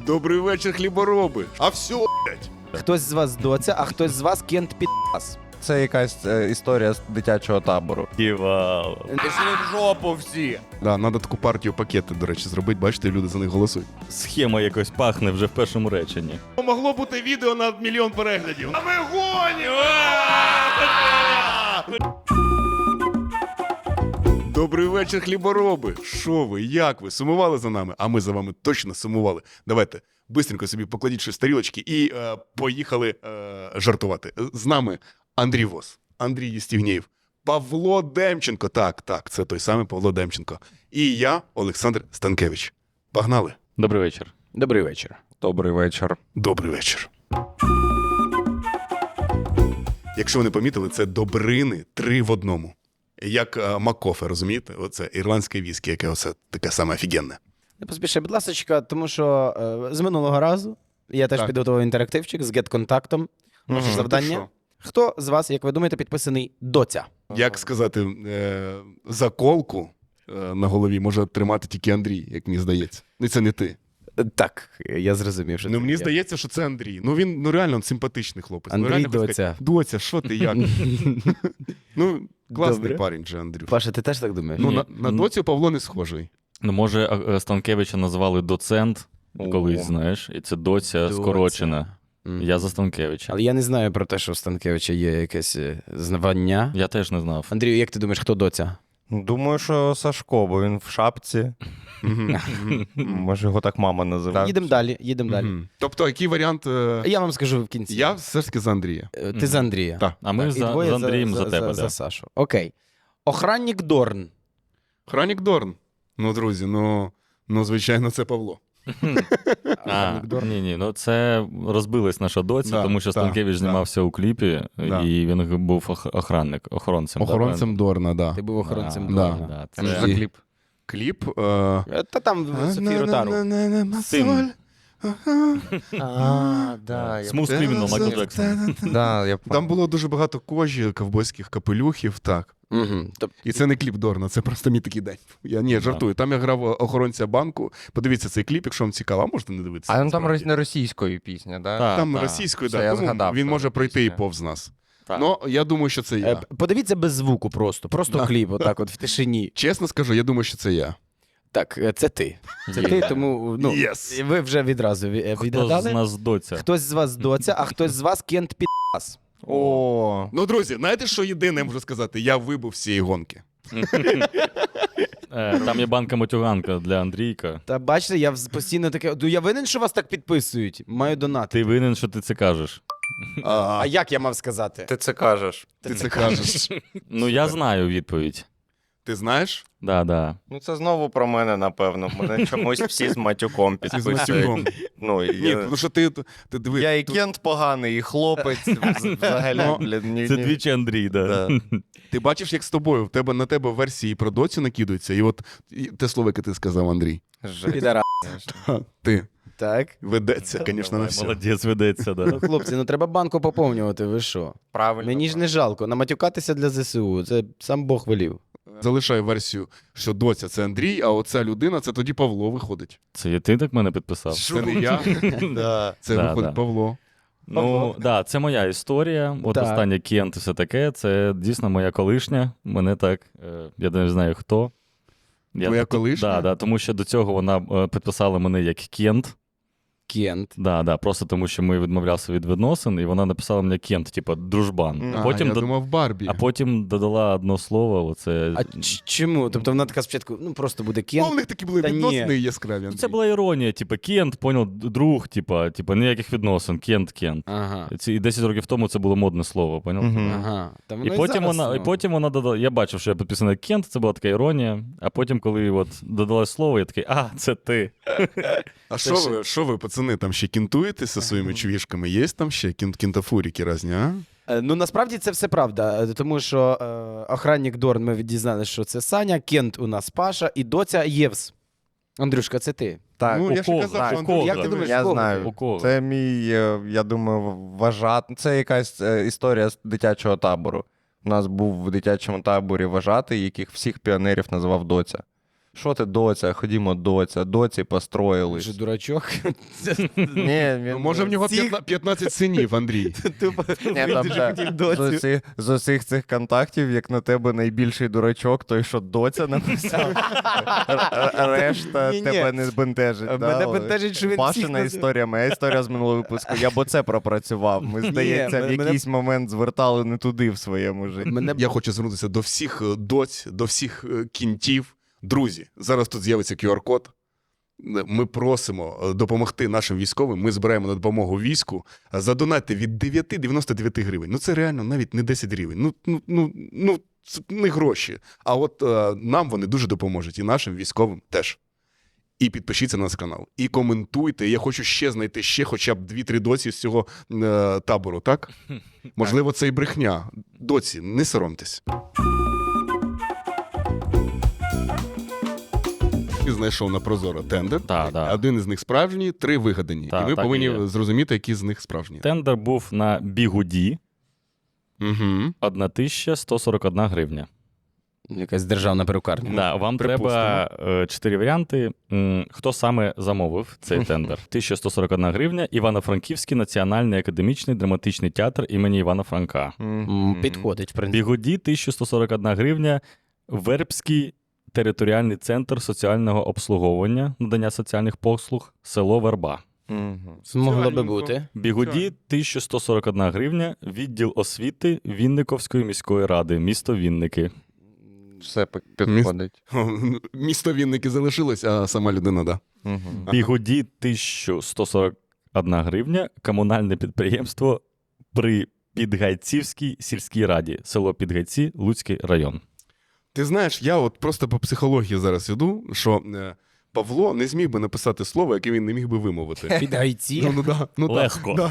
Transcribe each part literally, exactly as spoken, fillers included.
Добрий вечір, хлібороби. А все, блядь. Хтось з вас доця, а хтось з вас кент підпас. Це якась е, історія з дитячого табору. Ківал. Пішли в жопу всі! Да, треба таку партію пакети, до речі, зробити. Бачите, люди за них голосують. Схема якось пахне вже в першому реченні. Могло бути відео на мільйон переглядів. А ми гонимо! Добрий вечір, хлібороби. Що ви, як ви? Сумували за нами? А ми за вами точно сумували. Давайте, бистренько собі покладіть щось в тарілочки і е, поїхали е, жартувати. З нами Андрій Вос, Андрій Єстігнєєв, Павло Демченко. Так, так, це той самий Павло Демченко. І я, Олександр Станкевич. Погнали. Добрий вечір. Добрий вечір. Добрий вечір. Добрий вечір. Якщо ви не помітили, це добрини три в одному. Як е, Маккофе, розумієте? Оце ірландське віскі, яке оце таке саме офігенне. Не поспішай, будь ласочка, тому що е, з минулого разу я теж Так. підготував інтерактивчик з гет-контактом. Ваше Мгм. завдання. Ти що? Хто з вас, як ви думаєте, підписаний доця? Як сказати, е, заколку е, на голові може тримати тільки Андрій, як мені здається. Ну, це не ти. Е, Так, я зрозумів, що Ну, це мені я. здається, що це Андрій. Ну, він ну, реально симпатичний хлопець. Андрій ну, реально, Доця. сказати, Доця, що ти, як? Ну, класний Добре. парень же, Андрюш. Паша, ти теж так думаєш? Ну, Ні, на, на ну- доцю Павло не схожий. Ну, може, а, е, Станкевича назвали доцент колись, знаєш, і це доця Доця. скорочена. Мгм. Я за Станкевича. Але я не знаю про те, що у Станкевича є якесь е, звання. Я теж не знав. Андрію, як ти думаєш, хто доця? Думаю, що Сашко, бо він в шапці. Мгм. Мгм. Може, його так мама називає. Їдемо далі, їдемо далі. Мгм. Тобто, який варіант? е, Я вам скажу в кінці. Я все ж таки за Андрія. Е, Ти за Андрія. Так. А ми Так, і за, двоє з Андрієм за, тебе, за, да. Сашу. Окей. Охранник Дорн. Хронік Дорн. Ну, друзі, ну, ну звичайно, це Павло. А, Охранник Дорн. ні, ні, ну це розбилась наша доця, Да, тому що да, Станкевич да. знімався у кліпі, Да. і він був ох- охранник, охоронцем. да, Охоронцем Дорна, да. Ти був охоронцем Да, Дорна. да, Це ж це- за кліп. Кліп. Е... Е, Та там Софію Ротару. Цим. А, да, я... Смус Criminal Майкл Джексон. Да, я... Там було дуже багато кожі, ковбойських капелюхів, так. Угу. Тобто, І це не кліп Дорна, це просто мій такий день. Я ні, жартую. Там я грав охоронця банку. Подивіться цей кліп, якщо вам цікаво, а можете не дивитися. А ну, там насправді. не російською пісня, да? Так. Там та. російською, Все, да, я тому згадав, він що може пройти і пісня. повз нас. Так. Ну, я думаю, що це е, я. подивіться без звуку просто. Просто Да. кліп, отак от в тишині. Чесно скажу, я думаю, що це я. Так, е, це ти. Це Є. ти, тому ну, Yes. ви вже відразу ві- е, Хто з відгадали. нас доця? Хтось з вас доця, а хтось з вас кент підпас. О, Ну, друзі, знаєте, що єдине я можу сказати? Я вибув з цієї гонки. Е, Там є банка-матюганка для Андрійка. Та бачите, я вз- постійно таке. Ну я винен, що вас так підписують. Маю донати. Ти винен, що ти це кажеш. А, А як я мав сказати? ти це кажеш. ти це кажеш. Ну, я знаю відповідь. Ти знаєш? Да, да. Ну це знову про мене, напевно. Мене чомусь всі з матюком Всі з підписують. матюком. Ну, Ні, я... тому що ти, ти диви. я і кент поганий, і хлопець. Взагалі, Ну, блін, ні, Це ні. двічі Андрій, да. Да. Ти бачиш, як з тобою, в тебе на тебе версії про доцю накидаються, і от і те слово, яке ти сказав, Андрій. Жесть. Підара. Ха, Ти Так. ведеться, звісно, на Давай, все. молодець, ведеться, Ну, да. хлопці, ну треба банку поповнювати, ви що? Правильно. Мені ж не жалко. Наматюкатися для ЗСУ. Це сам Бог велів. Залишаю версію, що доця це Андрій, а оця людина це тоді Павло виходить. Це є ти так мене підписав? Це не я, Да. це Да, виходить да. Павло. Ну, так, да, це моя історія. От Так. остання Кент і все таке. Це дійсно моя колишня. Мене так, е, я не знаю хто. Я, Твоя колишня? Да, да, тому що до цього вона е, підписала мене як Кент. Кент. Да, да, просто тому що ми відмовлялися від відносин, і вона написала мені Кент, типу, дружбан. Мгм. А А, потім, я до- думав Барбі. а потім додала одне слово. Оце... А ч- чому? Тобто вона така спочатку, ну просто буде Ну, Кент. в них такі були Та ні. відносини яскраві. Ну, Андрій. це була іронія, типу, Кент, поняв, друг, типу, типу, ніяких відносин, Кент, Кент. Ага. Ці, і десять років тому це було модне слово, поняв? Мгм. Ага. Та І воно потім, зараз, вона, ну. і потім вона додала. Я бачив, що я підписаний як Кент, це була така іронія. А потім, коли от додалось слово, я такий, а, це ти. А що ви, що ви, пацани, там ще кінтуєтеся своїми чувішками? Є там ще кін- кінтафуріки різні, а? Е, Ну насправді це все правда, е, тому що е, охранник Дорн, ми дізналися, що це Саня, Кент у нас Паша і доця Євс. Андрюшка, це ти. Так, Ну, у я ж і кого? казав, що У Андрій. кого? Як ти думаєш, я кого? знаю. У кого? Це мій, е, я думаю, вважати. Це якась е, історія з дитячого табору. У нас був в дитячому таборі вважатий, яких всіх піонерів називав доця. Що ти, доця, ходімо, доця, доці построїлись. Вже дурачок. Ні, він... Ну, може, в нього Всіх- п'ятна- п'ятнадцять синів, Андрій. Тупо Ні, там, дуже да, хотів з, доцю. усіх, з усіх цих контактів, як на тебе найбільший дурачок, той, що доця написав. Р- Решта Ні-ні. тебе не бентежить. Мене да, але бентежить, що він всіх Пашина назив- історія, моя історія з минулого випуску. Я б оце пропрацював. Ми, здається, в мене- якийсь момент звертали не туди в своєму житті. Мене Я хочу звернутися до всіх е, доць, до всіх е, кінтів. Друзі, зараз тут з'явиться ку ар код. Ми просимо е, допомогти нашим військовим. Ми збираємо на допомогу війську. Задонатьте від дев'ять дев'яносто дев'ять гривень. Ну це реально навіть не десять гривень. Ну, ну, ну, ну це не гроші. А от е, нам вони дуже допоможуть. І нашим військовим теж. І підпишіться на наш канал. І коментуйте. Я хочу ще знайти ще хоча б дві-три доці з цього е, табору, так? Можливо, це і брехня. Доці, не соромтесь. І знайшов на Прозоро тендер. Так, так. Один із них справжній, три вигадані. Так, і ми так повинні і є. зрозуміти, які з них справжні. Тендер був на бігуді Угу. тисяча сто сорок одна гривня. якась державна перукарня. Да, вам припустимо. треба е, чотири варіанти. М, Хто саме замовив цей тендер? тисяча сто сорок одна гривня. Івано-Франківський національний академічний драматичний театр імені Івана Франка. М, Підходить, в принципі. Бігуді тисяча сто сорок одна гривня. Вербський територіальний центр соціального обслуговування, надання соціальних послуг, село Верба. Мгм. Могло би Реальненько. бути. Бігуді тисяча сто сорок одна гривня. Відділ освіти Вінниковської міської ради, місто Вінники. Все пи- підходить. Місто Вінники залишилось, а сама людина, да. Мгм. Бігуді тисяча сто сорок одна гривня. Комунальне підприємство при Підгайцівській сільській раді, село Підгайці, Луцький район. Ти знаєш, я от просто по психології зараз іду, що е, Павло не зміг би написати слово, яке він не міг би вимовити. Під гайці. Ну, ну, да, ну, да, Легко. да.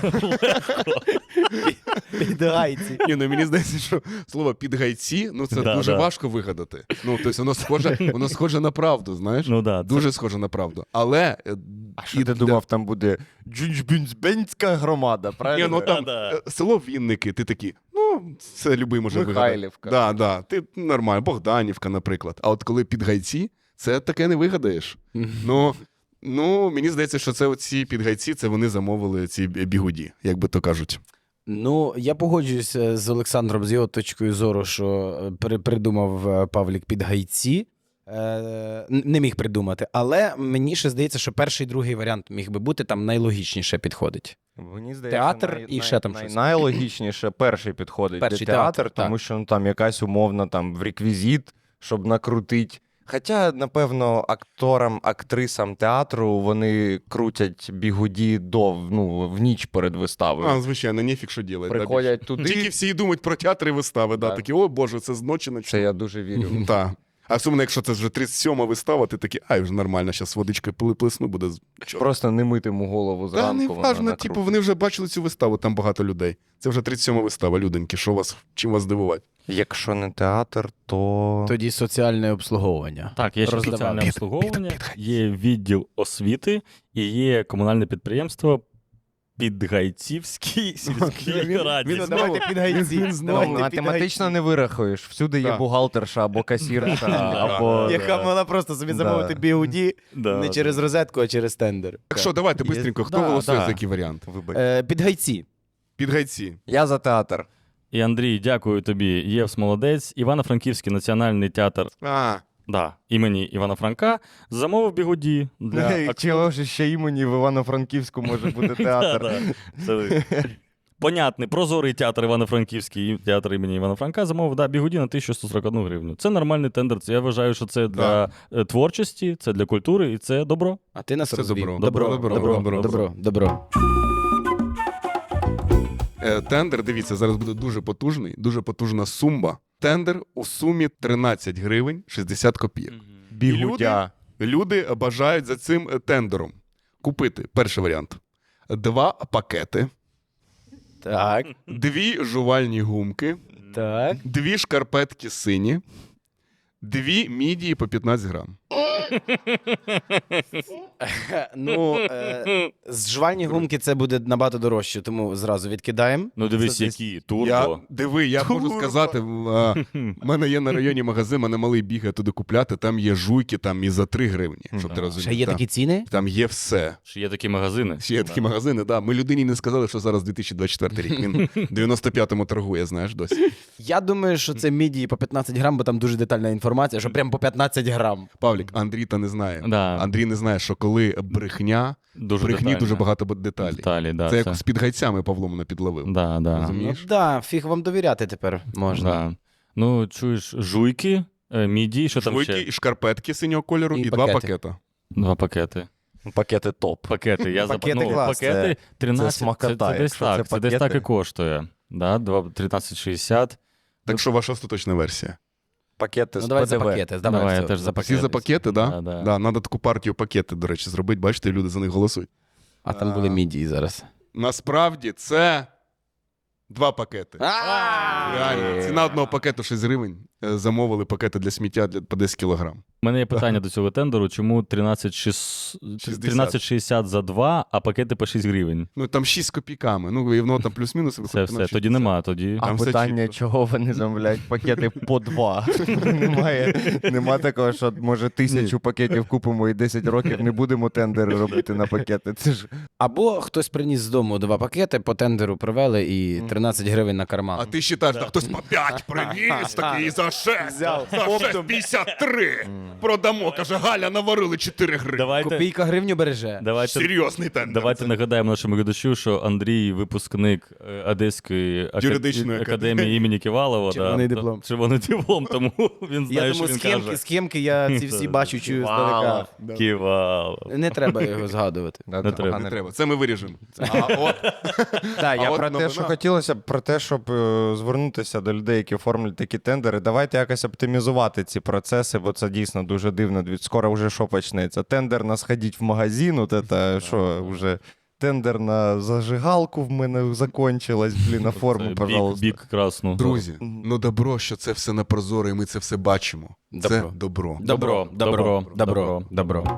Під гайці. Ні, ну мені здається, що слово підгайці, ну це Да, дуже да. важко вигадати. Ну, тобто воно схоже, воно схоже на правду, знаєш? Ну да, це- Дуже схоже на правду. Але. е, А що і ти для- думав, там буде Джунджбюнська громада, Ні, правильно? ну там Да-да. е, село Вінники, ти такий, ну, це любий може вигадати. Михайлівка. Да, да, ти нормально, Богданівка, наприклад. А от коли підгайці, це таке не вигадаєш. Ну, ну, мені здається, що це оці підгайці, це вони замовили ці бі- бігуді, як би то кажуть. Ну, я погоджуюся з Олександром, з його точкою зору, що е, при- придумав е, Павлік під гайці. Е, н- не міг придумати. Але мені ще здається, що перший і другий варіант міг би бути там найлогічніше підходить. Мені здається, Театр най- і най- ще там най- щось. Найлогічніше перший підходить Перший де театр, театр, тому так. що ну, там якась умовна там в реквізит, щоб накрутити. Хоча, напевно, акторам, актрисам театру вони крутять бігуді до ну, в ніч перед виставою. А, звичайно, ніфіг що ділять. Приходять да, туди. більше. Тільки всі думають про театри і вистави, да, Так. такі, о Боже, це з ночі на Це я дуже вірю. Так. А особливо, якщо це вже тридцять сьома вистава, ти такий, ай, вже нормально, зараз водичкою пили- плесну, буде. з- Чорт. Просто не митиму голову Та зранку. не вона важно, накрутить. типу, вони вже бачили цю виставу, там багато людей. Це вже тридцять сьома вистава, люденьки, що вас, чим вас здивувати? Якщо не театр, то. Тоді соціальне обслуговування. Так, є ще Роздавали. соціальне Під- обслуговування, є відділ освіти і є комунальне підприємство Підгайцівській сільській раді. він- давайте під гайці. Він Ну, знав. математично не вирахуєш. Всюди є Так. бухгалтерша або касірша, або. Яка могла просто собі Да. замовити бігуді Да, не да. через розетку, а через тендер. Так що, давайте, Є- бистренько, хто Да, голосує да. за який варіант? Вибач. Е, Під гайці. Підгайці. Я за театр. І Андрій, дякую тобі. Євс молодець. Івано-Франківський національний театр А, да, імені Івана Франка замовив бігуді для акторів. Чого ж ще імені в Івано-Франківську може бути театр? Да-да. Це понятний, прозорий театр Івано-Франківський і театр імені Івана Франка замовив да, бігуді на тисяча сто сорок одну гривню. Це нормальний тендер. Це, я вважаю, що це для е, творчості, це для культури і це добро. А ти нас Це розвів. добро. Добро, Добро, добро, добро, добро, добро. е, тендер, дивіться, зараз буде дуже потужний, дуже потужна сумба. Тендер у сумі тринадцять гривень шістдесят копійок. Бігудя. Люди бажають за цим е, тендером купити, перший варіант, два пакети, Так, дві жувальні гумки, так. дві шкарпетки сині, дві мідії по п'ятнадцять грам. Ну, е, з жувальні гумки це буде набагато дорожче, тому зразу відкидаємо. Ну дивись, Це які Я, турбо. диви, я можу сказати, в а, в мене є на районі магазин, мене малий бігає туди купляти, там є жуйки там і за три гривні, щоб ти Да. розумів. Ще є Там- такі ціни? Там є все. Ще є такі магазини. Ще є такі магазини, да. Ми людині не сказали, що зараз дві тисячі двадцять четвертий рік. Він в дев'яносто п'ятому торгує, знаєш, досі. Я думаю, що це мідії по п'ятнадцять грам, бо там дуже детальна інформація, що прям по п'ятнадцять грам. Павлік, Андрій та не знає. Да. Андрій не знає, що коли брехня, Дуже в брехні детально. дуже багато деталей. Деталі, да, це це. як з під гайцями Павло мене підловив. Да, да. Ну Розумієш? да, фіг вам довіряти тепер можна. Да. Ну, чуєш, жуйки, е, міді, що там Швойки ще? і шкарпетки синього кольору, І і, два пакети. пакета. Два пакети. Пакети топ. Пакети, я Пакети запа... ну, клас, пакети це- тринадцять, це смакота, це, це десь якщо так, це це десь пакети. так і коштує. Да? два- тринадцять шістдесят. Так що ваша остаточна версія? Пакети Ну з давай за ПДВ. пакети, давай, Давай, я все, теж за Всі за пакети, да? Да, да. Да, надо таку партію пакети, до речі, зробити. Бачите, люди за них голосують. А там були мідії зараз. Насправді це два пакети. Реально. Ціна одного пакету шість гривень. Е, Замовили пакети для сміття для, по десять кілограм. У мене є питання до цього тендеру, чому тринадцять шістдесят тринадцять шістдесят за два, а пакети по шість гривень? Ну там шість з копійками. Ну, і воно там плюс-мінус Це виходить. все, на тоді шістдесят. нема, тоді... А Там все питання, чітко. чого вони замовляють пакети по два? Немає, нема такого, що може тисячу пакетів купимо і десять років не будемо тендери робити на пакети. Це ж Або хтось приніс з дому два пакети, по тендеру провели і тринадцять гривень на карман. А ти вважаєш, що хтось по п'ять приніс такий за шесть. Взяв. За шесть п'ятдесят три. Продамо. Каже, Галя, наварили чотири гривні. Давайте, Копійка гривню береже. давайте, Серйозний тендер. давайте Це- нагадаємо нашому глядачу, що Андрій випускник е, Одеської ака- Юридичної академії академії. імені Ківалова. Червоний да, диплом. та- Червоний диплом, тому він знає, Я що думаю, він схемки, каже. схемки я ці всі бачу, чую здалека. Ківалов. Не треба його згадувати. Да, Не це треба. погано. Не треба. Це ми виріжемо. А от Так, я от про те, новина. що хотілося б, про те, щоб е, звернутися до людей, які оформлюють такі тендери. Давайте якось оптимізувати ці процеси, бо це дійсно дуже дивно. Від- Скоро вже що почнеться? Тендер на сходіть в магазин, от це, що вже тендер на зажигалку в мене закончилась, блін, на форму, Це пожалуйста. Бік, бік красну. друзі, ну добро, що це все на прозоро, і ми це все бачимо. Це Добро. добро. Добро, добро, добро, добро.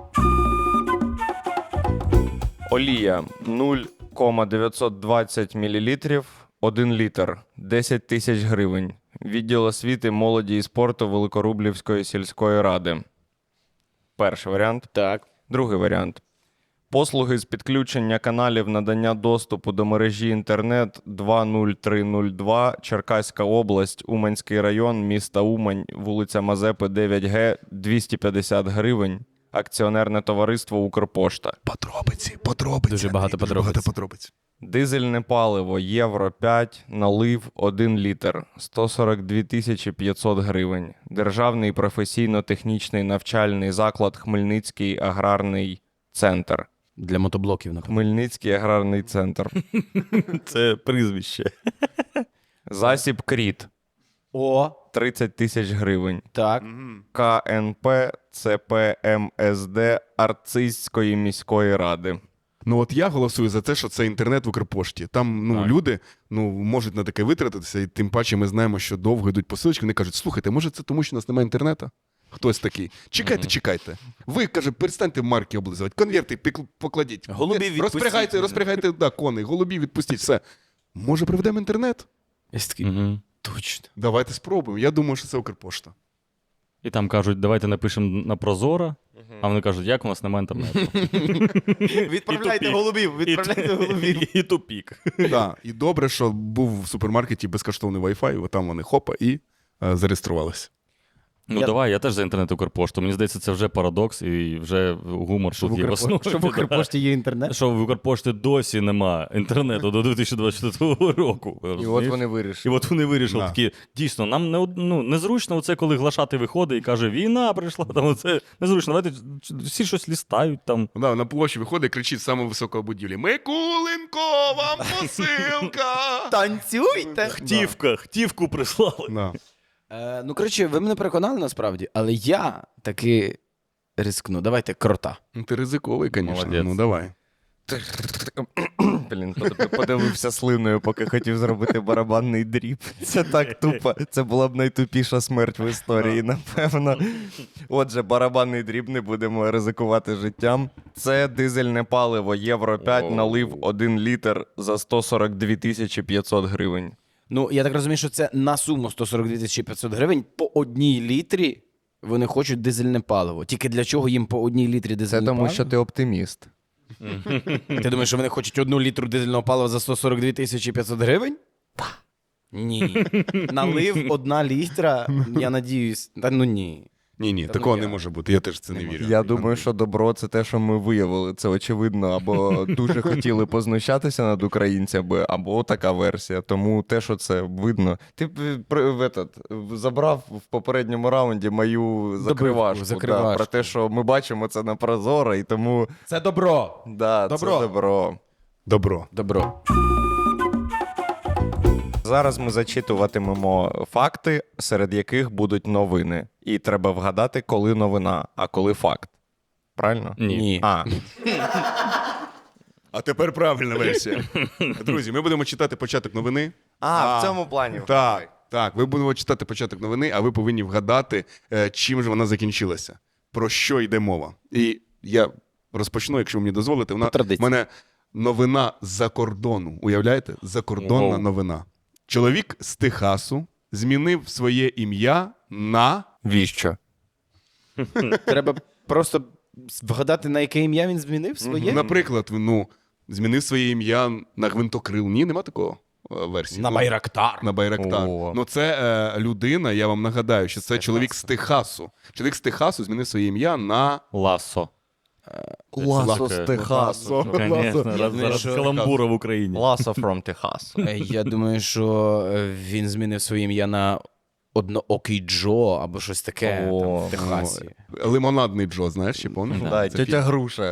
Олія нуль кома дев'ятсот двадцять мілілітрів, один літр, десять тисяч гривень. Відділ освіти, молоді і спорту Великорублівської сільської ради. Перший варіант. Так. Другий варіант. Послуги з підключення каналів надання доступу до мережі інтернет два нуль три нуль два, Черкаська область, Уманський район, міста Умань, вулиця Мазепи, дев'ять Г, двісті п'ятдесят гривень. Акціонерне товариство Укрпошта. Подробиці, подробиці. Дуже багато Андрій, подробиць. багато подробиць. Дизельне паливо Євро п'ять, налив один літр, сто сорок дві тисячі п'ятсот гривень. Державний професійно-технічний навчальний заклад Хмельницький аграрний центр. Для мотоблоків, напевно. Хмельницький аграрний центр. Це прізвище. Засіб Кріт О, тридцять тисяч гривень. так. К Н П Це Пе Ем Ес Де Арцизької міської ради. Ну от я голосую за те, що це інтернет в Укрпошті. Там ну, Так. люди ну, можуть на таке витратитися, і тим паче ми знаємо, що довго йдуть посилочки, вони кажуть, слухайте, може це тому, що у нас немає інтернету? Хтось такий. Чекайте, Мгм. чекайте. Ви, каже, перестаньте марки облизувати, конверти пік- покладіть. Голубів відпустіть. Розпрягайте, розпрягайте, да, коней, голубів відпустіть, все. Може, приведемо інтернет? Я такий, Угу. точно. Давайте спробуємо. Я думаю, що це Укрпошта. І там кажуть, давайте напишемо на Прозоро, а вони кажуть, як у нас немає інтернету. Відправляйте тупік. голубів, відправляйте голубів. І тупік. Да. І добре, що був в супермаркеті безкоштовний Wi-Fi, от там вони хопа і е, зареєструвалися. Ну Я- давай, я теж за інтернет Укрпошту. Мені здається, це вже парадокс і вже гумор Що в тут є в Укрпо- основі. що в Укрпошті є інтернет? Що в Укрпошті досі нема інтернету до дві тисячі двадцять четвертого року. І от розумієш? вони І вирішили. от вони вирішили Да. такі, дійсно, нам не, од- ну, незручно оце, коли глашати виходить і каже, війна прийшла, там оце незручно, давайте всі щось лістають там. Да, на площі виходить і кричить з самої високої будівлі: Микуленко, вам посилка! Танцюйте! Хтівка, хтівку прислали. Да. Е, ну, коротше, ви мене переконали насправді, але я таки рискну. Давайте крота. Ну, ти ризиковий, звісно. Молодець. Ну давай. Блін, под- подивився слиною, поки хотів зробити барабанний дріб. Це так тупо. Це була б найтупіша смерть в історії, напевно. Отже, барабанний дріб, не будемо ризикувати життям. Це дизельне паливо Євро п'ять, налив один літр за сто сорок дві тисячі п'ятсот гривень. Ну, я так розумію, що це на суму сто сорок дві тисячі п'ятсот гривень по одній літрі вони хочуть дизельне паливо. Тільки для чого їм по одній літрі Це дизельне тому, паливо? що ти оптиміст. Ти думаєш, що вони хочуть одну літру дизельного палива за сто сорок дві тисячі п'ятсот гривень? Так. Ні. Налив одна літра, я надіюсь. Та ну ні. Ні, ні, Та такого ну не я- може бути. Я теж в це не Не вірю. Я думаю, що добро це те, що ми виявили. Це очевидно, або дуже хотіли познущатися над українцями, або така версія. Тому те, що це видно. Ти б, при- в этот, в- забрав в попередньому раунді мою закривашку, закривашку. Да, про те, що ми бачимо це на Прозоро, і тому Це добро. да, Добро. це добро. Добро. Добро. Зараз ми зачитуватимемо факти, серед яких будуть новини. І треба вгадати, коли новина, а коли факт. Правильно? Ні. А, А тепер правильна версія. Друзі, ми будемо читати початок новини. а в цьому плані. Так, так. Ви будемо читати початок новини, а ви повинні вгадати, е, чим же вона закінчилася. Про що йде мова. І я розпочну, якщо ви мені дозволите. Вона, По традиції. в мене новина з-за кордону. Уявляєте? Закордонна Ого. новина. Чоловік з Техасу змінив своє ім'я на... Віщо? Треба просто вгадати, на яке ім'я він змінив своє. Наприклад, ну, змінив своє ім'я на гвинтокрил. Ні, нема такого е, версії. На Ну, Байрактар. На Байрактар. О. Ну, це е, людина, я вам нагадаю, що це чоловік з Техасу. Чоловік з Техасу змінив своє ім'я на... Ласо. Ласо з Ласо. Техасу. Звісно, раз Ну, зараз що- каламбура в Україні. Ласо from Техас. Е, Я думаю, що е, він змінив своє ім'я на Одноокий Джо або щось таке О, там, в Техасі. Лимонадний Джо, знаєш, чи пам'ятаєш? Да, Це тетя Груша.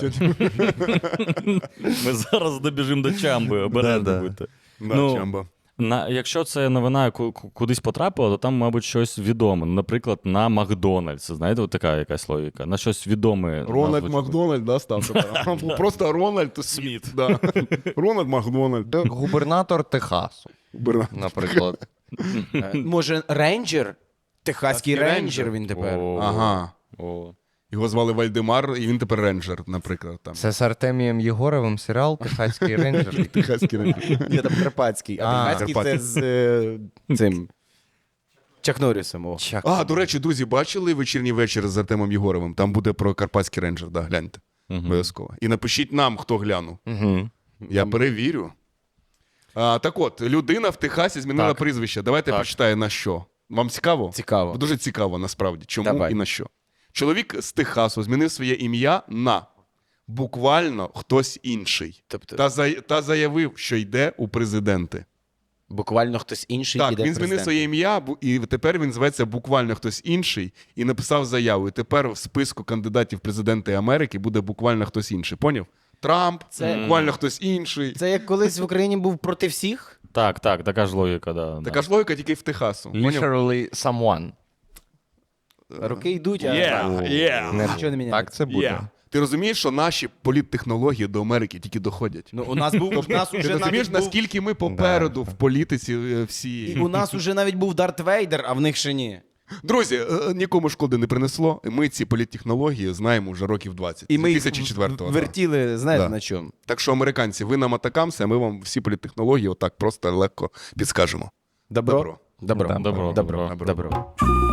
Ми зараз добіжимо до Чамби, обережно Да-да. будьте. фі- Да, Ну, Чамба. На, якщо це новина ку- ку- кудись потрапила, то там, мабуть, щось відоме. Ну, наприклад, на Макдональдс. Знаєте, от така якась логіка. На щось відоме. Рональд назву- Макдональд, да, став тепер? Просто Рональд Сміт. Да. Рональд Макдональд. Губернатор Техасу, Берна- наприклад. Е, Може, рейнджер? Техаський Техаський рейнджер рейнджер. він тепер. О, Ага. о. Його звали Вальдемар, і він тепер рейнджер, наприклад. Там. Це з Артемієм Єгоровим серіал «Техаський рейнджер». Техаський рейнджер. Ні, там Карпатський. А, А, Техаський це Карпатський. з е, цим. Чак Норрісом. О. Чак. А, до речі, друзі, бачили вечірній вечір з Артемом Єгоровим? Там буде про Карпатський рейнджер, да, гляньте. Мгм. Обов'язково. І напишіть нам, хто глянув. Угу. Я перевірю. А, так от, людина в Техасі змінила Так. прізвище. Давайте Так. прочитаю на що. Вам цікаво? Цікаво. Дуже цікаво, насправді. Чому Давай. і на що. Чоловік з Техасу змінив своє ім'я на буквально хтось інший. Тобто, Та, за... та заявив, що йде у президенти. буквально хтось інший Так, іде він змінив президентом. своє ім'я, бу- і тепер він зветься буквально хтось інший і написав заяву. І тепер в списку кандидатів в президенти Америки буде буквально хтось інший. Поняв? Трамп, Це- буквально хтось інший. Це як колись в Україні був проти всіх? Так, так, така ж логіка, да. Така ж логіка тільки в Техасу. Поняв? Literally someone. Роки йдуть, а Yeah, yeah. Не- нічого не міняється. Так це буде. Yeah. Ти розумієш, що наші політтехнології до Америки тільки доходять? Ну, у нас був у нас Ти уже розумієш, навіть був, наскільки ми попереду в політиці е, всі. і у нас уже навіть був Дарт Вейдер, а в них ще ні. Друзі, е, нікому шкоди не принесло. Ми ці політтехнології знаємо вже років двадцять. І ми З їх дві тисячі четвертого. да. вертіли, знаєте Да. на чому? Так що, американці, ви нам атакамся, а ми вам всі політтехнології отак просто легко підскажемо. Добро? Добро. Добро. Да, добро, Добро. добро. Добро.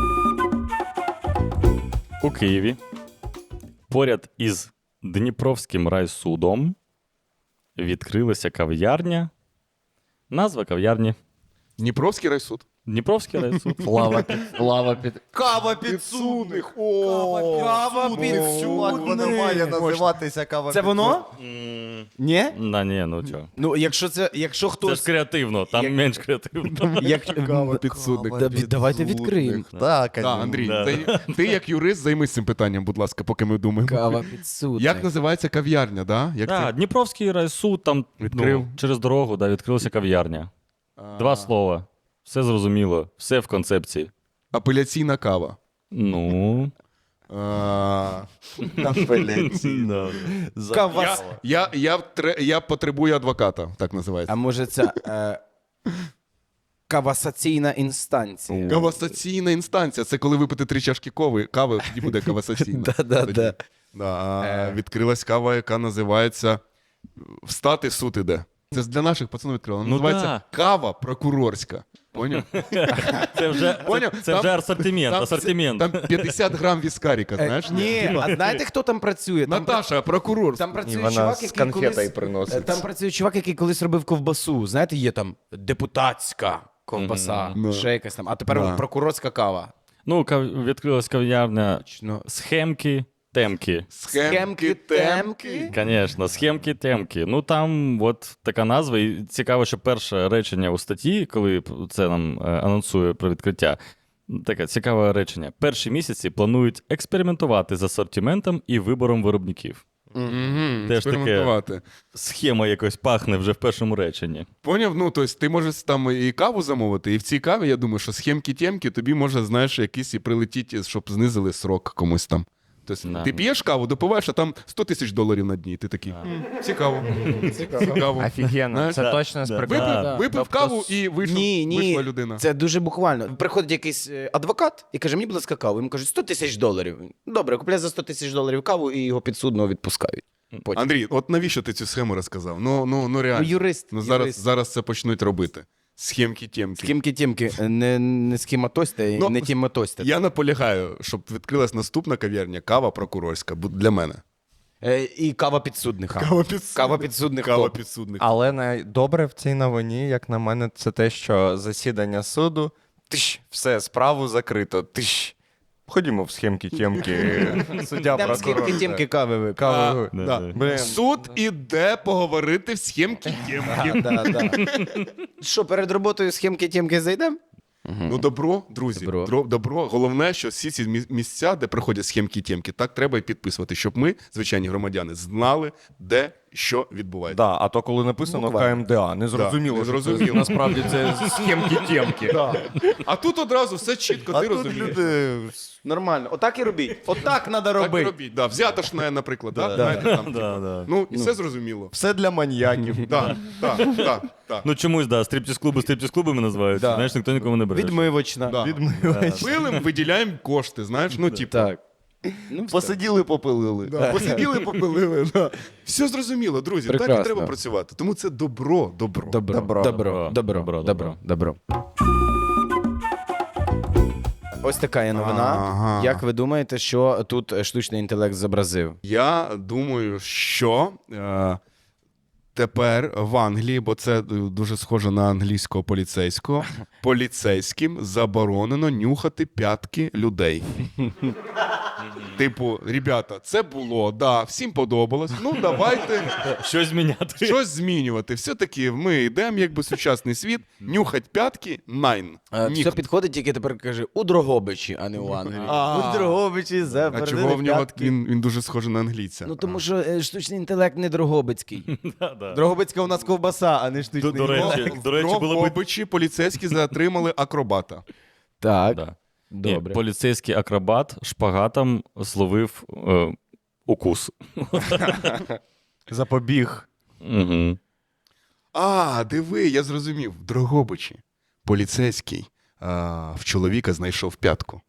У Києві поряд із Дніпровським райсудом відкрилася кав'ярня. Назва кав'ярні. Дніпровський райсуд. Дніпровський райсуд. Лава під... Лава під... Кава Підсудних. Кава підсудних. Воно має називатися кава Це воно? М, Ні? Да, ні, ну чого. Ну, якщо це, якщо Це ж хтось... креативно, там Як- менш креативно. Як... Кава підсудник. Да, давайте відкриємо. Так, Так, Андрій, Да. ти, ти як юрист займись цим питанням, будь ласка, поки ми думаємо. Кава підсудник. Як називається кав'ярня, да? Як Так, це? Дніпровський райсуд, там Відкрив. ну, через дорогу да, відкрилася кав'ярня. Два слова. Все зрозуміло, все в концепції. Апеляційна кава. Ну, А, Да. Кавас. Я, я, втре- я потребую адвоката, так називається. А може це е, кавасаційна інстанція? Кавасаційна інстанція. Це коли випити три чашки кови, кави, тоді буде кавасаційна. Да-да-да. Тоді. Да, а Е. відкрилась кава, яка називається «Встати, суд іде». Це для наших пацанів відкрила. Вона Ну називається да. кава прокурорська. Поняв? Це вже, Поняв? це, це Там- вже асортимент, Там, асортимент. там п'ятдесят грам віскаріка, Е, знаєш? Ні, а знаєте, хто там працює? Там, Наташа, прокурор. там І працює вона чувак, з який конфетою колись... приносить. Там працює чувак, який колись робив ковбасу. Знаєте, є там депутатська ковбаса, Мгм. ще якась там. А тепер Да. прокурорська кава. Ну, кав... відкрилась кав'ярня Точно. схемки, темки. Схемки, темки. Звісно, схемки, темки. Ну там от така назва. І цікаво, що перше речення у статті, коли це нам е, анонсує про відкриття, таке цікаве речення. Перші місяці планують експериментувати з асортиментом і вибором виробників. Мгм, Теж таке. експериментувати. Схема якось пахне вже в першому реченні. Поняв? Ну, тобто ти можеш там і каву замовити, і в цій каві, я думаю, що схемки-темки тобі може, знаєш, якісь і прилетіти, щоб знизили срок комусь там. Тобто Да. ти п'єш каву, допиваєш, а там сто тисяч доларів на дні. І ти такий, «М, цікаво. Цікаво. Офігенно, Знаєш, це да, точно з да. приколу. Випив, Да. випив Тобто каву с- і вийшов, Ні, ні, вийшла людина. це дуже буквально. Приходить якийсь е, адвокат і каже, мені, будь ласка, каву. Йому кажуть, сто тисяч доларів. Добре, купляй за сто тисяч доларів каву і його підсудно відпускають. Потім. Андрій, от навіщо ти цю схему розказав? Ну, ну, ну Ну, реально. юрист. Ну, зараз, юрист. зараз це почнуть робити. Схемки-темки. Схемки-темки, не, не схематосьте, Ну, не тіматосьте. Я наполягаю, щоб відкрилась наступна кав'ярня, кава прокурорська, бу- для мене. Е, і кава підсудних. Кава підсудних. Кава підсудних. Кава топ. підсудних. Але найдобре в цій новині, як на мене, це те, що засідання суду, тиш, все, справу закрито, тиш. Ходімо в схемки-тємки, суддя, Там прокурор. схемки-темки кави випив. Каву. А, Да, да. да. Блін. Суд іде поговорити в схемки-темки. Да, да. Що, перед роботою схемки-темки зайдемо? Ну, добро, друзі, Добро. добро. добро. Головне, що всі ці мі- місця, де проходять схемки-темки, так треба і підписувати, щоб ми, звичайні громадяни, знали, де що відбувається. Да, а то коли написано Буквально. КМДА, не зрозуміло, не що це, зрозуміло. насправді це схемки-тємки. А тут одразу все чітко, ти розумієш. Нормально. Отак і робіть. Отак треба Так і робити. робіть. Да. Взятошне, наприклад. Да. Да. Знаєте, там, Да, типа. да. Ну, і все зрозуміло. Все для маньяків. Так, так, так, так. Ну чомусь, да, стриптіз-клуби стриптіз-клубами називаються. Да. Знаєш, ніхто нікому не бере. Відмивочна. Да. Відмивач. Пилим, виділяємо кошти, знаєш, ну, типу. Так. Ну, все. Посиділи, попилили. Да, посиділи, попилили. Да. Все зрозуміло, друзі. Так Прекрасно. і треба працювати. Тому це добро, добро. Добро, Добро. добро, добро, Добро, добро, добро. Ось така є новина. Ага. Як ви думаєте, що тут штучний інтелект зобразив? Я думаю, що е, тепер в Англії, бо це е, дуже схоже на англійського поліцейського, поліцейським заборонено нюхати п'ятки людей. Типу, ребята, це було, да, всім подобалось. Ну, давайте Щось зміняти. щось змінювати. Все-таки ми йдемо, якби сучасний світ, нюхать п'ятки найн. Е, Ніхто. Все підходить, тільки тепер каже у Дрогобичі, а не у Англії. А. У Дрогобичі А заборонили чого в нього п'ятки. він, він дуже схожий на англійця? Ну тому що е, штучний інтелект не Дрогобицький. Да, да. Дрогобицька у нас ковбаса, а не штучний До- до інтелект. речі, до речі, в було б- Дрогобичі поліцейські затримали акробата. Так, Да. добре. Ні, поліцейський акробат шпагатом зловив е, укус. Запобіг. Угу. А, диви, я зрозумів. В Дрогобичі поліцейський а, в чоловіка знайшов п'ятку.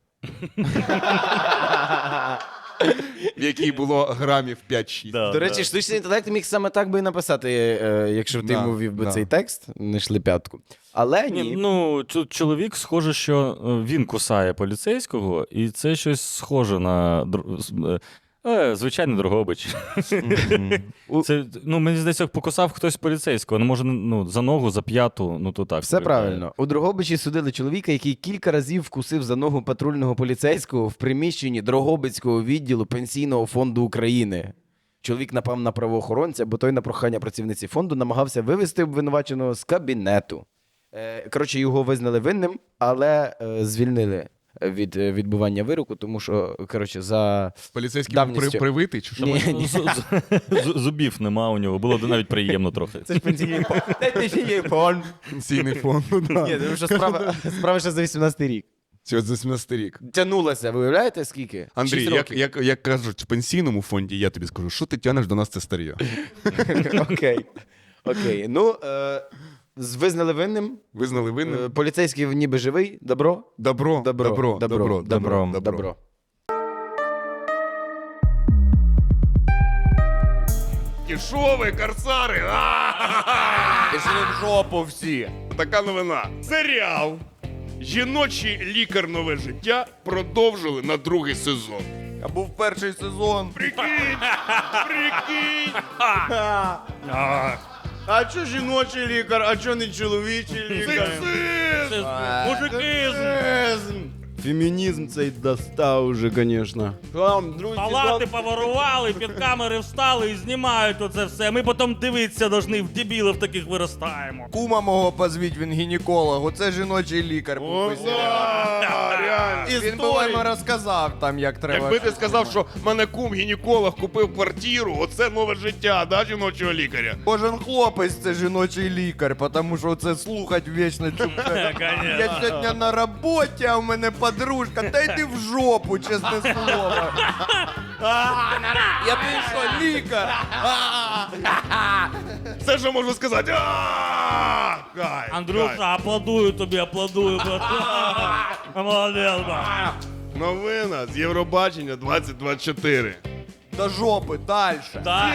В якій було грамів п'ять-шість. До речі, штучний інтелект міг саме так би і написати, е, якщо б ти Да, йому ввів би да. цей текст, знайшли п'ятку. Але ні. Ні, ну, чо- чоловік схоже, що е, він кусає поліцейського, і це щось схоже на др- з- е, звичайний Дрогобич. Це, ну, мені здається, покусав хтось поліцейського. Ну, може, ну, за ногу, за п'яту, ну то так. Все виглядає. правильно. У Дрогобичі судили чоловіка, який кілька разів вкусив за ногу патрульного поліцейського в приміщенні Дрогобицького відділу Пенсійного фонду України. Чоловік напав на правоохоронця, бо той на прохання працівниці фонду намагався вивести обвинуваченого з кабінету. Е, Коротше, його визнали винним, але е, звільнили від е, відбування вироку, тому що, коротше, за... Поліцейський був при, Давністю. привитий чи що? Ні, Ну, ні. з- з- з- Зубів нема у нього, було б навіть приємно трохи. Це ж пенсійний фонд. Пенсійний фонд. ну, да. Ні, тому що справа, справа ще за вісімнадцятий рік. Це от за сімнадцятий рік. Тянулася, ви уявляєте, скільки? Андрій, Шість як, років. як, як кажуть в пенсійному фонді, я тобі скажу, що ти тянеш до нас це старія? Окей. Окей. Ну, е, з- визнали винним. Визнали Е, винним? Поліцейський ніби живий. Добро? Добро, Добро. добро, добро, добро, Добро. добро. Добро. І що ви, корсари? Пішли в жопу всі. Така новина. Серіал «Жіночий лікар. Нове життя» продовжили на другий сезон. А був перший сезон. Прикинь! Прикинь! А чо жіночий лікар, а чо не чоловічий Сексизм! Мужикизм! Фемінізм цей достав уже, звісно. Палати поворували, під камери встали і знімають оце все. Ми потім дивитися должны, в дебілів таких виростаємо. Кума мого позвіть, він гінеколог. Оце жіночий лікар. був О, у серіалі. да, реально. Він би вам розказав там, як треба. Якби ти сказав, що мене кум гінеколог купив квартиру, оце нове життя, да, жіночого лікаря? Кожен хлопець це жіночий лікар, тому що це слухать вічно чубе. Я сьогодні на роботі, а у мене подружка. Та йди в жопу, чесне слово. Я ти що, лікар? Все, що можу сказати. А! Кайф, Андрюша, кайф. аплодую тобі, аплодую. Молодець, ба. Новина з Євробачення двадцять двадцять чотири. До жопи, далі. Так.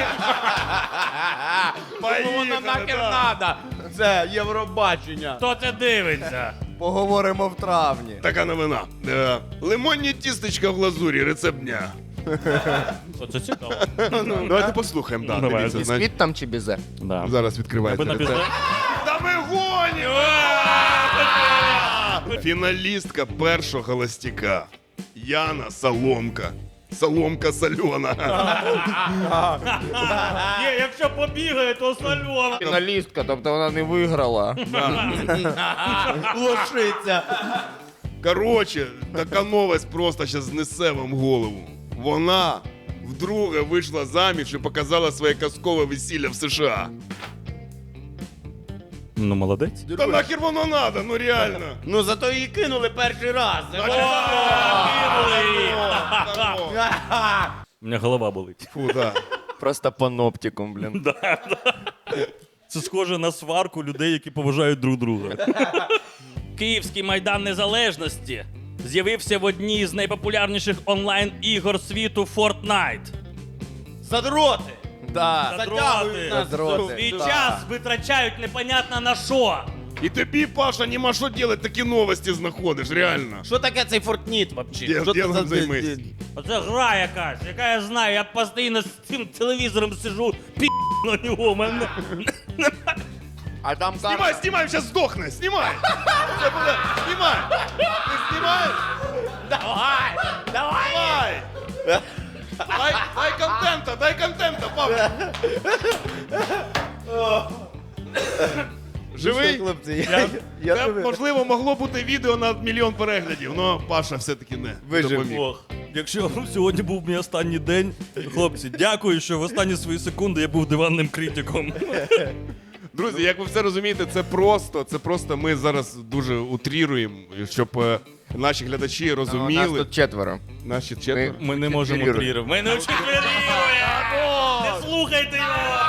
Поїхали, да. надо. Це Євробачення. Хто це дивиться? Поговоримо в травні. Така новина. Е, лимонні тістечка в глазурі, рецепт дня. Оце цікаво. Давайте послухаємо, да, Давай. дивіться, значить, Бісквіт там чи бізе? Да. зараз відкривається Аби на рецепт. бізе. Та ми гонимо! Фіналістка першого холостяка. Яна Соломка. Соломка сольона. Ні, якщо побігає, то сольона. Фіналістка, тобто вона не виграла. Лошиця. Коротше, така новость просто зараз знесе вам голову. Вона вдруге вийшла заміж і показала своє казкове весілля в США. Ну, молодець. Та нахер воно надо, ну реально. Ну зато її кинули перший раз. У мене голова болить. Фу, да. Просто паноптикум, блін. Це схоже на сварку людей, які поважають друг друга. Київський Майдан Незалежності з'явився в одній з найпопулярніших онлайн-ігор світу Fortnite. Задроти. Да. Затягують нас. Задроти. Свій Да. час витрачають непонятно на що. І тобі, Паша, нема що робити, такі новості знаходиш, реально. Що таке цей Фортніт вообще? Діл- Що це ділом за- займись. Оце гра якась, яка я знаю, я постійно з цим телевізором сижу, пі на нього, мене. А там Знімай, знімай, зараз здохне, знімай. Це буде, знімай. Ти знімаєш? Давай! Давай! Давай. Дай, дай контента, дай контента, Павло. Живий? Хлопці, я, я, Це, живий. можливо, могло бути відео на мільйон переглядів, але Паша все-таки не Вижив. допоміг. Ох, якщо сьогодні був мій останній день, хлопці, дякую, що в останні свої секунди я був диванним критиком. Друзі, як ви все розумієте, це просто, це просто ми зараз дуже утріруємо, щоб е, наші глядачі У нас розуміли. тут четверо. Наші четверо. Ми не можемо Четвірюємо. трірувати. Ми не четвірюємо! Не слухайте його!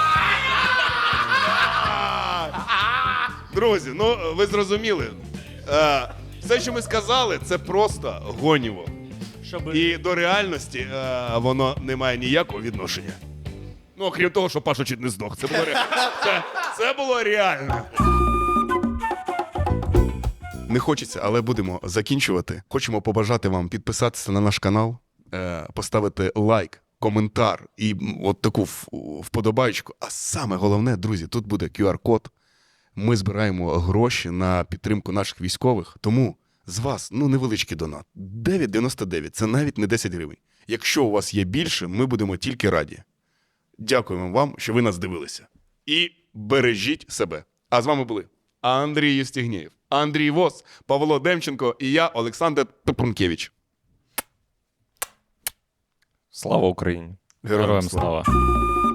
Друзі, ну ви зрозуміли. Е, все, що ми сказали, це просто гоніво. Щоб... І до реальності е, воно не має ніякого відношення. Ну, окрім того, що Паша чуть не здох. Це було, ре... це, це було реально. Не хочеться, але будемо закінчувати. Хочемо побажати вам підписатися на наш канал, е, поставити лайк, коментар і м, от таку в- вподобайку. А саме головне, друзі, тут буде ку ар-код. Ми збираємо гроші на підтримку наших військових, тому з вас ну невеличкий донат. дев'ять дев'яносто дев'ять, це навіть не десять гривень. Якщо у вас є більше, ми будемо тільки раді. Дякуємо вам, що ви нас дивилися. І бережіть себе. А з вами були Андрій Євстігнєєв, Андрій Вос, Павло Демченко і я, Олександр Топрункевич. Слава Україні! Героям слава!